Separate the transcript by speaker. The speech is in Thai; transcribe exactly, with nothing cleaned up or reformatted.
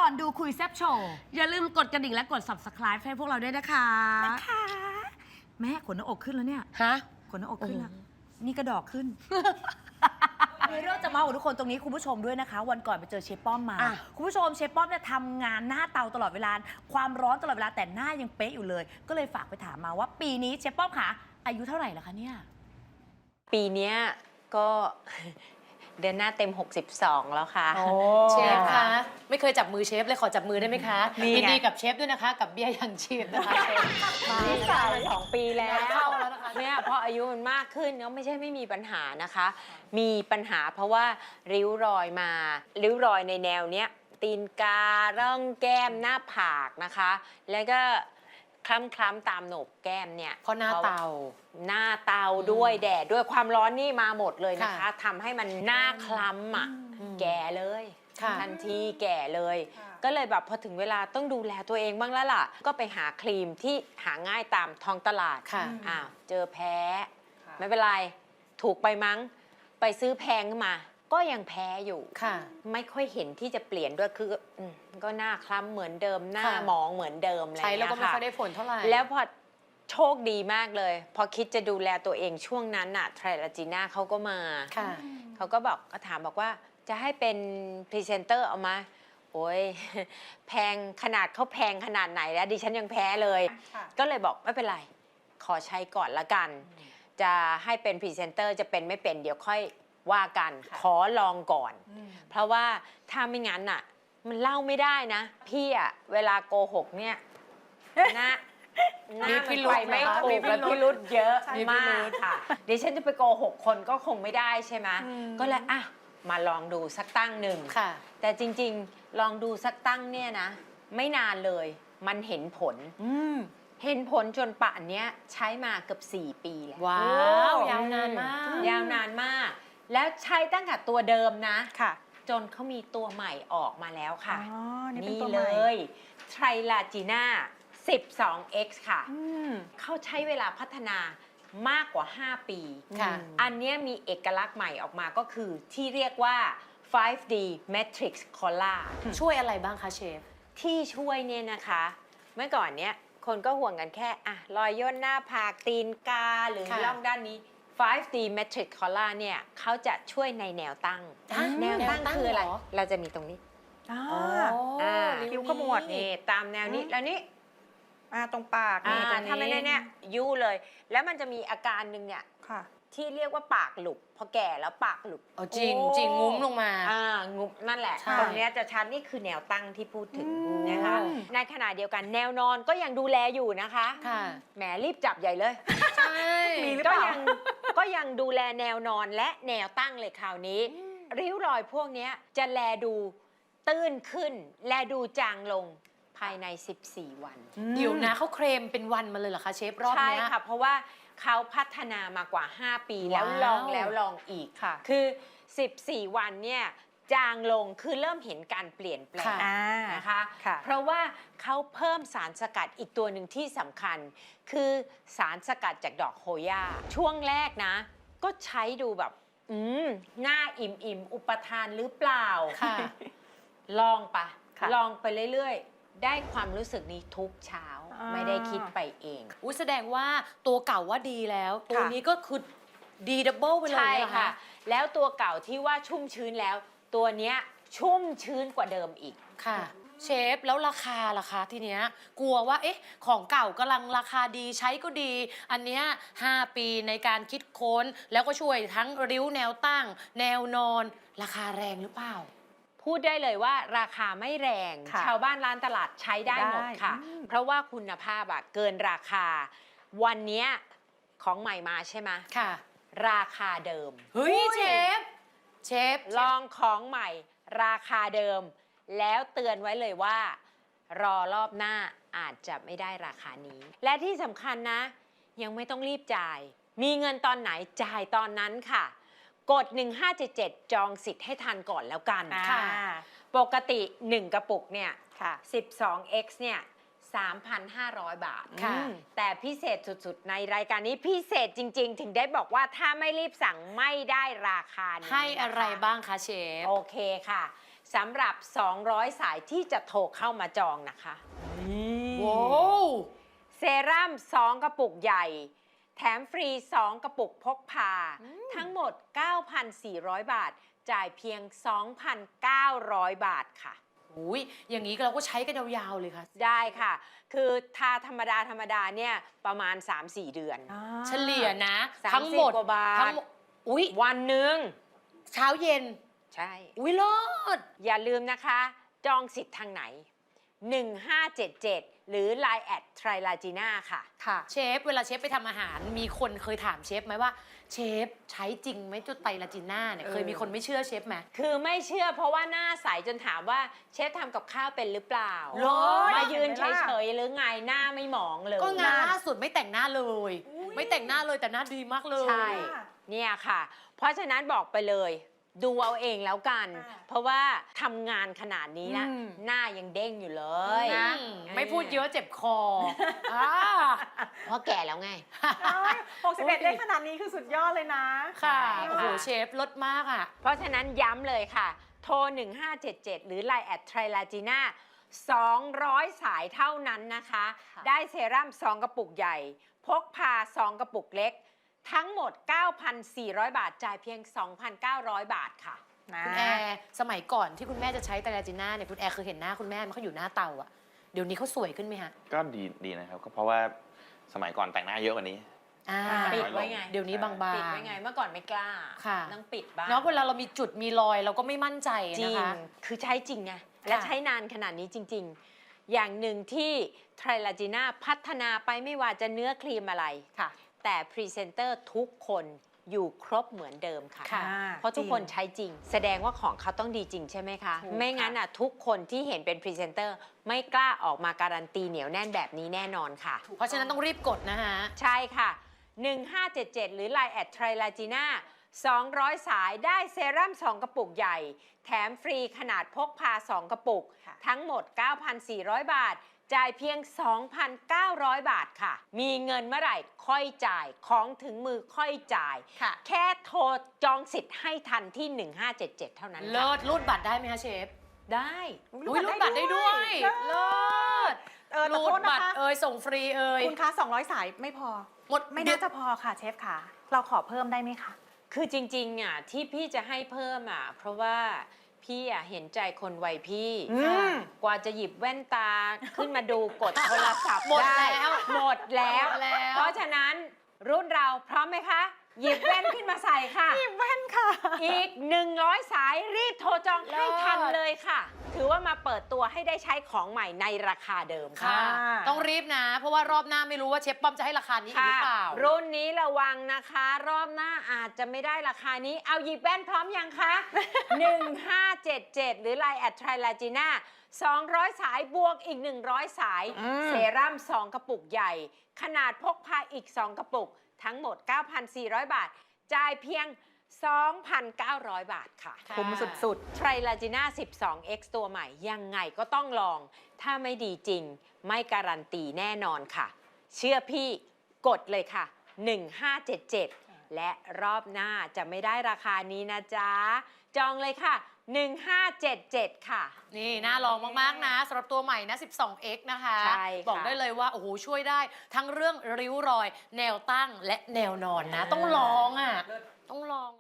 Speaker 1: อนดูคุยแซ่บโชว์
Speaker 2: อย่าลืมกดกระดิ่งและกด ซับสไครบ์ ให้พวกเราด้วยนะคะ
Speaker 1: นะคะแม่ขนหน้าอกขึ้นแล้วเนี่ย
Speaker 2: ฮะ
Speaker 1: ขนหน้าอกขึ้นแล้วนี่กระดอกขึ้นมีเรื่องจะมาบอกทุกคนตรงนี้คุณผู้ชมด้วยนะคะ วันก่อนไปเจอเชฟป้อมมาคุณผู้ชมเชฟป้อมเนี่ยทำงานหน้าเตาตลอดเวลาความร้อนตลอดเวลาแต่หน้ายังเป๊ะอยู่เลยก็เลยฝากไปถามมาว่าปีนี้เชฟป้อมคะอายุเท่าไหร่แล้วคะเนี่ย
Speaker 3: ปีนี้ก็ เดือนหน้าเต็มหกสิบสองแล้วค่ะ
Speaker 4: เชฟคะไม่เคยจับมือเชฟเลยขอจับมือได้ไหมคะยินดีกับเชฟด้วยนะคะกับเบี้ยยังชีพนะคะเชฟ
Speaker 3: มาสาวสองปีแล้วเนี่ยพออายุมันมากขึ้นก็ไม่ใช่ไม่มีปัญหานะคะ มีปัญหาเพราะว่าริ้วรอยมาริ้วรอยในแนวเนี้ยตีนการ่องแก้มหน้าผากนะคะ แล้วก็คล้ำคล้ำตามโหนกแก้มเนี่ย
Speaker 4: เพราะหน้าเตา
Speaker 3: หน้าเตาด้วยแดดด้วยความร้อนนี่มาหมดเลยนะคะทำให้มันหน้าคล้ำอ่ะแก่เลยทันทีแก่เลยก็เลยแบบพอถึงเวลาต้องดูแลตัวเองบ้างแล้วล่ะก็ไปหาครีมที่หาง่ายตามท้องตลาดอ้าวเจอแพ้ไม่เป็นไรถูกไปมั้งไปซื้อแพงขึ้นมาก็ยังแพ้อยู่ไม่ค่อยเห็นที่จะเปลี่ยนด้วยคือก็หน้าคล้ำเหมือนเดิมหน้าหมองเหมือนเดิมอะไรอย่างเงี้ยค่ะ
Speaker 4: ใช้แล้วก็ไม่ค่อยได้ผลเท่าไหร่
Speaker 3: แล้วพอโชคดีมากเลยพอคิดจะดูแลตัวเองช่วงนั้นน่ะไทรลาจีน่าเขาก็มาเขาก็บอกก็ถามบอกว่าจะให้เป็นพรีเซนเตอร์เอามาโอ้ยแพงขนาดเขาแพงขนาดไหนแล้วดิฉันยังแพ้เลยก็เลยบอกไม่เป็นไรขอใช้ก่อนละกันจะให้เป็นพรีเซนเตอร์จะเป็นไม่เป็นเดี๋ยวค่อยว่ากันขอลองก่อนเพราะว่าถ้าไม่งั้นน่ะมันเล่าไม่ได้นะพี่อะเวลาโกหกเนี่ยนะหน้ามันไปไม่ถูกแล้วพี่รุดเยอะมากค่ะดิฉันจะไปโกหกคนก็คงไม่ได้ใช่ไหมก็เลยอ่ะมาลองดูสักตั้งหนึ่งแต่จริงๆลองดูสักตั้งเนี่ยนะไม่นานเลยมันเห็นผลเห็นผลจนป่านนี้ใช้มาเกือบสี่ปีแล้ว
Speaker 4: ว้าวยาวนานมาก
Speaker 3: ยาวนานมากแล้วใช้ตั้งแต่ตัวเดิมนะจนเขามีตัวใหม่ออกมาแล้วค่ะนี่เลยไทรลาจีน่าสิบสอง เอ็กซ์ ค่ะเขาใช้เวลาพัฒนามากกว่าห้าปีอันนี้มีเอกลักษณ์ใหม่ออกมาก็คือที่เรียกว่า ไฟว์ ดี Matrix Color
Speaker 4: ช่วยอะไรบ้างคะเชฟ
Speaker 3: ที่ช่วยเนี่ยนะคะเมื่อก่อนเนี้ยคนก็ห่วงกันแค่อะรอยย่นหน้าผากตีนกาหรือร่องด้านนี้ ไฟว์ ดี Matrix Color เนี่ยเขาจะช่วยในแนวตั้งแนวตั้งคืออะไรเราจะมีตรงนี้
Speaker 1: คิ้วขมวด
Speaker 3: นี่ตามแนวนี้แล้วนี้
Speaker 1: อ่าตรงปากนี่ตรงนี้
Speaker 3: ทำไม่ได้เนี่ยยู่เลยแล้วมันจะมีอาการหนึ่งเนี่ยที่เรียกว่าปากหลุดพอแก่แล้วปากหลุด
Speaker 4: จริงจริงงุ้มลงมา
Speaker 3: อ่างุ้มนั่นแหละตรงนี้จะชัดนี่คือแนวตั้งที่พูดถึงนะคะในขณะเดียวกันแนวนอนก็ยังดูแลอยู่นะคะแหมรีบจับใหญ่เลย
Speaker 4: ใช่
Speaker 3: ก็ยังก็ยังดูแลแนวนอนและแนวตั้งเลยคราวนี้ริ้วรอยพวกนี้จะแลดูตื้นขึ้นแลดูจางลงภายในสิบสี่วัน
Speaker 4: เดี๋ยวนะเขาเคลมเป็นวันมาเลยเหรอคะเชฟรอบนี้
Speaker 3: ใช่ค่ะเพราะว่าเขาพัฒนามากว่าห้าปีแล้วลองแล้วลองอีกค่ะคือสิบสี่วันเนี่ยจางลงคือเริ่มเห็นการเปลี่ยนแปลงนะคะเพราะว่าเขาเพิ่มสารสกัดอีกตัวหนึ่งที่สำคัญคือสารสกัดจากดอกโฮย่าช่วงแรกนะก็ใช้ดูแบบอืมหน้าอิ่มอิ่มอุปทานหรือเปล่าค่ะลองปะลองไปเรื่อยๆได้ความรู้สึกนี้ทุกเช้าไม่ได้คิดไปเอง
Speaker 4: อุ้ยแสดงว่าตัวเก่าว่าดีแล้วตัวนี้ก็คือดีดับเบิลไปเลย
Speaker 3: ใช่ค่ะแล้วตัวเก่าที่ว่าชุ่มชื้นแล้วตัวเนี้ยชุ่มชื้นกว่าเดิมอีก
Speaker 4: ค่ะเชฟแล้วราคาล่ะคะทีเนี้ยกลัวว่าเอ๊ะของเก่ากำลังราคาดีใช้ก็ดีอันเนี้ยห้าปีในการคิดค้นแล้วก็ช่วยทั้งริ้วแนวตั้งแนวนอนราคาแรงหรือเปล่า
Speaker 3: พูดได้เลยว่าราคาไม่แรงชาวบ้านร้านตลาดใช้ได้หมดค่ะเพราะว่าคุณภาพอะเกินราคาวันนี้ของใหม่มาใช่ไหม
Speaker 4: ค่ะ
Speaker 3: ราคาเดิม
Speaker 4: เฮ้ยเชฟเชฟ
Speaker 3: ลองของใหม่ราคาเดิมแล้วเตือนไว้เลยว่ารอรอบหน้าอาจจะไม่ได้ราคานี้และที่สำคัญนะยังไม่ต้องรีบจ่ายมีเงินตอนไหนจ่ายตอนนั้นค่ะกดหนึ่งห้าเจ็ดเจ็ดจองสิทธิ์ให้ทันก่อนแล้วกันปกติหนึ่งกระปุกเนี่ยสิบสอง เอ็กซ์ เนี่ย สามพันห้าร้อย บาทแต่พิเศษสุดๆในรายการนี้พิเศษจริงๆถึงได้บอกว่าถ้าไม่รีบสั่งไม่ได้ราคานี้
Speaker 4: ให้อะไรบ้างคะเชฟ
Speaker 3: โอเคค่ะสำหรับ สองร้อย สายที่จะโทรเข้ามาจองนะคะ
Speaker 4: โว้ว
Speaker 3: เซรั่มสองกระปุกใหญ่ แถมฟรีสองกระปุกพกพา ทั้งหมด เก้าพันสี่ร้อย บาท จ่ายเพียง สองพันเก้าร้อย บาทค่ะ
Speaker 4: อุ้ยอย่างนี้เราก็ใช้กันยาวๆเลยค่ะ
Speaker 3: ได้ค่ะ คือทาธรรมดาธรรมดาเนี่ยประมาณ สามสี่ เดือน
Speaker 4: เฉลี่ยนะ
Speaker 3: สามสิบ
Speaker 4: ทั้งหมด
Speaker 3: กว่าบาท
Speaker 4: ทั้งหมดอุ้ย
Speaker 3: วันหนึ่ง
Speaker 4: เช้าเย็น
Speaker 3: ใช่
Speaker 4: อุ้ยเลิศ
Speaker 3: อย่าลืมนะคะ จองสิทธิ์ทางไหน หนึ่งห้าเจ็ดเจ็ด หรือ ไลน์ แอดไทรลาจีน่าค่ะ
Speaker 4: ค่ะ เชฟเวลาเชฟไปทำอาหาร มีคนเคยถามเชฟไหมว่า เชฟใช้จริงไหมจุดไตรลาจิน่าเนี่ย เคยมีคนไม่เชื่อเชฟไหม
Speaker 3: คือไม่เชื่อเพราะว่าหน้าใสจนถามว่าเชฟทำกับข้าวเป็นหรือเปล่า
Speaker 4: เหรอ
Speaker 3: มายืนเฉยๆหรือไงหน้าไม่หมองเลย
Speaker 4: ก็งานล่าสุดไม่แต่งหน้าเลย ไม่แต่งหน้าเลยแต่หน้าดีมากเลย
Speaker 3: ใช่ เนี่ยค่ะ เพราะฉะนั้นบอกไปเลย ดูเอาเองแล้วกัน เพราะว่าทำงานขนาดนี้นะ หน้ายังเด้งอยู่เลย
Speaker 4: นะ ไม่พูดเยอะเจ็บคออ่า
Speaker 3: เพราะแก่แล้วไง
Speaker 5: หกสิบเอ็ดได้ขนาดนี้คือสุดยอดเลยนะ
Speaker 4: ค่ะ
Speaker 3: ใช่
Speaker 4: โอ้โห เชฟลดมากอ่ะ
Speaker 3: เพราะฉะนั้นย้ำเลยค่ะ โทร หนึ่งห้าเจ็ดเจ็ด หรือ ไลน์ แอดไทรลาจีน่าสองร้อย สายเท่านั้นนะคะ ได้เซรั่มสองกระปุกใหญ่ พกพาสองกระปุกเล็ก ทั้งหมด เก้าพันสี่ร้อย บาท จ่ายเพียง สองพันเก้าร้อย บาทค่ะ
Speaker 4: คุณแอร์สมัยก่อนที่คุณแม่จะใช้ไตรลาจิน่าเนี่ยคุณแอร์เคยเห็นหน้าคุณแม่มันเขาอยู่หน้าเตาอะเดี๋ยวนี้เขาสวยขึ้นไหมฮะ
Speaker 6: ก็ดีดีนะครับก็เพราะว่าสมัยก่อนแต่งหน้าเยอะกว่านี้
Speaker 4: อ่า
Speaker 3: ปิดไว้ไง
Speaker 4: เดี๋ยวนี้บางๆ
Speaker 3: ปิดไว้ไง เมื่อก่อนไม่กล้า
Speaker 4: ค่ะ
Speaker 3: ต้องปิดบ้าง
Speaker 4: เนาะเวลาเรามีจุดมีรอยเราก็ไม่มั่นใจ
Speaker 3: จริ
Speaker 4: นะ
Speaker 3: ง
Speaker 4: คะ
Speaker 3: คือใช้จริงไง และใช้นานขนาดนี้จริง ๆ อย่างหนึ่งที่ไทรลาจีน่าพัฒนาไปไม่ว่าจะเนื้อครีมอะไร
Speaker 4: ค่ะ
Speaker 3: แต่พรีเซนเตอร์ทุกคนอยู่ครบเหมือนเดิมค่ะ
Speaker 4: ค่ะ
Speaker 3: เพราะทุกคนใช้จริง แสดงว่าของเขาต้องดีจริงใช่ไหมคะ
Speaker 5: ถูก
Speaker 3: ไม่งั้นอ่ะทุกคนที่เห็นเป็นพรีเซนเตอร์ไม่กล้าออกมาการันตีเหนียวแน่นแบบนี้แน่นอนค่ะ
Speaker 4: เพราะฉะนั้นต้องรีบกดนะฮะ
Speaker 3: ใช่ค่ะ หนึ่งห้าเจ็ดเจ็ด หรือ ไลน์ แอดไทรลาจีน่าสองร้อย สายได้เซรั่มสองกระปุกใหญ่ แถมฟรีขนาดพกพาสองกระปุก ทั้งหมด เก้าพันสี่ร้อย บาท จ่ายเพียง สองพันเก้าร้อย บาทค่ะ มีเงินเมื่อไหร่ค่อยจ่าย ของถึงมือค่อยจ่าย
Speaker 4: ค่ะ
Speaker 3: แค่โทรจองสิทธิ์ให้ทันที่ หนึ่งห้าเจ็ดเจ็ด เท่านั้น
Speaker 4: เลิ
Speaker 3: ค่ะ
Speaker 4: ศรูดบัตรได้ไหมคะเชฟ
Speaker 3: ได้
Speaker 4: อุ้ยรูดบัตรได้ด้วย เลิศ
Speaker 5: เออแต่
Speaker 4: รู
Speaker 5: โท
Speaker 4: ด
Speaker 5: ษนะ
Speaker 4: บัตร
Speaker 5: คะ
Speaker 4: เอ่ยส่งฟรีเอ่ย
Speaker 5: คุณคะสองร้อย สายไม่พอ
Speaker 4: หมด
Speaker 5: ไม่น่าจะพอค่ะเชฟค่ะ เราขอเพิ่มได้ไหมคะ
Speaker 3: คือจริงๆอ่ะที่พี่จะให้เพิ่มอ่ะเพราะว่าพี่อ่ะเห็นใจคนวัยพี่
Speaker 5: อืม
Speaker 3: กว่าจะหยิบแว่นตาขึ้นมาดูกดโทรศัพท์
Speaker 4: หมด
Speaker 3: ได้
Speaker 4: แล้ว
Speaker 3: หมดแล้ว
Speaker 4: หมดแล้ว
Speaker 3: เพราะฉะนั้นรุ่นเราพร้อมไหมคะ หยิบแว่นขึ้นมาใส่ค่ะ
Speaker 5: หยิบแว่นค่ะ
Speaker 3: อีก หนึ่งร้อย สายรีบโทรจองให้ทันเลยค่ะ ถือว่ามาเปิดตัวให้ได้ใช้ของใหม่ในราคาเดิมค่ะ
Speaker 4: ค่ะ
Speaker 5: ค่ะ
Speaker 4: ต้องรีบนะ เพราะว่ารอบหน้าไม่รู้ว่าเชฟป้อมจะให้ราคานี้อีกหรือเปล่า
Speaker 3: รุ่นนี้ระวังนะคะ รอบหน้าอาจจะไม่ได้ราคานี้ เอาหยิบแว่นพร้อมยังคะ หนึ่งห้าเจ็ดเจ็ด หรือ ไลน์ แอดไทรลาจีน่าสองร้อย สายบวกอีก หนึ่งร้อย สาย
Speaker 5: อืม
Speaker 3: เซรั่มสองกระปุกใหญ่ ขนาดพกพาอีก สอง กระปุก ทั้งหมด เก้าพันสี่ร้อย บาท จ่ายเพียง สองพันเก้าร้อย บาทค่ะ
Speaker 4: ค่ะ
Speaker 5: คุ้มสุด
Speaker 3: ไทรลาจีน่า สิบสองเอ็กซ์ ตัวใหม่ยังไงก็ต้องลอง ถ้าไม่ดีจริง ไม่การันตีแน่นอนค่ะ เชื่อพี่กดเลยค่ะ หนึ่งห้าเจ็ดเจ็ด และรอบหน้าจะไม่ได้ราคานี้นะจ๊ะ จองเลยค่ะ หนึ่งห้าเจ็ดเจ็ด ค่ะ
Speaker 4: นี่น่าลองมาก ๆ นะสำหรับตัวใหม่นะ สิบสองเอ็กซ์ นะคะ
Speaker 3: ใช่ค่ะ
Speaker 4: บอกได้เลยว่า โอ้โห ช่วยได้ทั้งเรื่องริ้วรอย แนวตั้งและแนวนอนนะ ต้องลองอ่ะ ต้องลอง